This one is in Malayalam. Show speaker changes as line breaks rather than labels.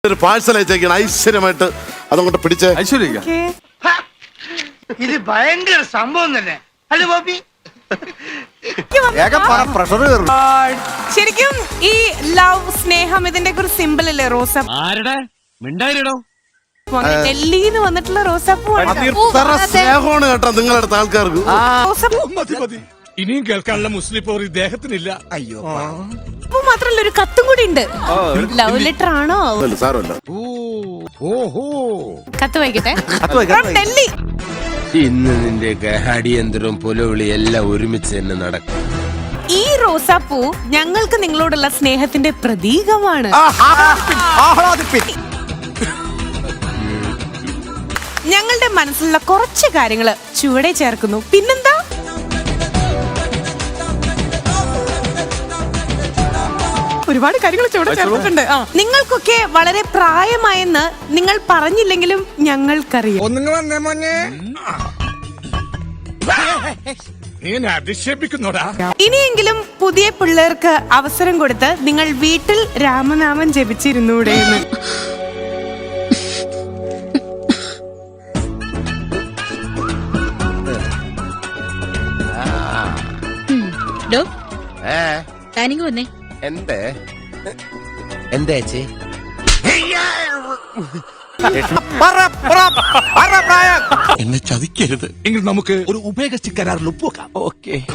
ഒരു പാഴ്സൽ അയച്ചേക്കാണ് ഐശ്വര്യമായിട്ട് അതങ്ങോട്ട് പിടിച്ച്
ഐശ്വര്യ
ഇത് ഭയങ്കര സംഭവം തന്നെ അല്ലേ ബോബി?
പ്രഷർ
ശരിക്കും ഈ ലവ് സ്നേഹം ഇതിന്റെ ഒരു സിമ്പിൾ അല്ലേ റോസാപ്പൂ? ഡൽഹിന്ന് വന്നിട്ടുള്ള റോസാപ്പൂ
സ്നേഹമാണ് കേട്ടോ നിങ്ങളടുത്ത ആൾക്കാർക്ക്.
റോസാപ്പൂ
ഇനിയും കേൾക്കാനുള്ള മുസ്ലിം പോർ ഇദ്ദേഹത്തിനില്ല.
അയ്യോ
മാത്രല്ല ഒരു കത്തും കൂടി ഉണ്ട്. ലവ് ലെറ്റർ ആണോ?
സാരമല്ല.
ഓഹോ
കത്ത് വായിക്കട്ടെ. From ഡൽഹി.
ഇന്ന് നിന്റെ അടിയന്തരവും പുലവിളി എല്ലാം ഒരുമിച്ച് തന്നെ നടക്കും.
ഈ റോസാപ്പൂ ഞങ്ങൾക്ക് നിങ്ങളോടുള്ള സ്നേഹത്തിന്റെ പ്രതീകമാണ്. ഞങ്ങളുടെ മനസ്സിലുള്ള കുറച്ച് കാര്യങ്ങള് ചുവടെ ചേർക്കുന്നു. പിന്നെന്താ? ഒരുപാട് കാര്യങ്ങൾ ചുവടെ ചേർത്തിട്ടുണ്ട്. നിങ്ങൾക്കൊക്കെ വളരെ പ്രായമായെന്ന് നിങ്ങൾ പറഞ്ഞില്ലെങ്കിലും ഞങ്ങൾക്കറിയാം.
ഒന്നുങ്ങ വന്നേ മോനെ. നീ എന്നെ അധിക്ഷേപിക്കുന്നോടാ.
ഇനിയെങ്കിലും പുതിയ പിള്ളേർക്ക് അവസരം കൊടുത്ത് നിങ്ങൾ വീട്ടിൽ രാമനാമം ജപിച്ചിരുന്നൂടെ എന്ന്.
താനിങ്ങ് വന്നേ.
എന്തേ എന്താ ചേച്ചി?
എന്നെ ചതിക്കരുത്. എങ്കിൽ നമുക്ക് ഒരു ഉഭയകക്ഷി കരാറിൽ ഒപ്പുവെക്കാം.
ഓക്കെ.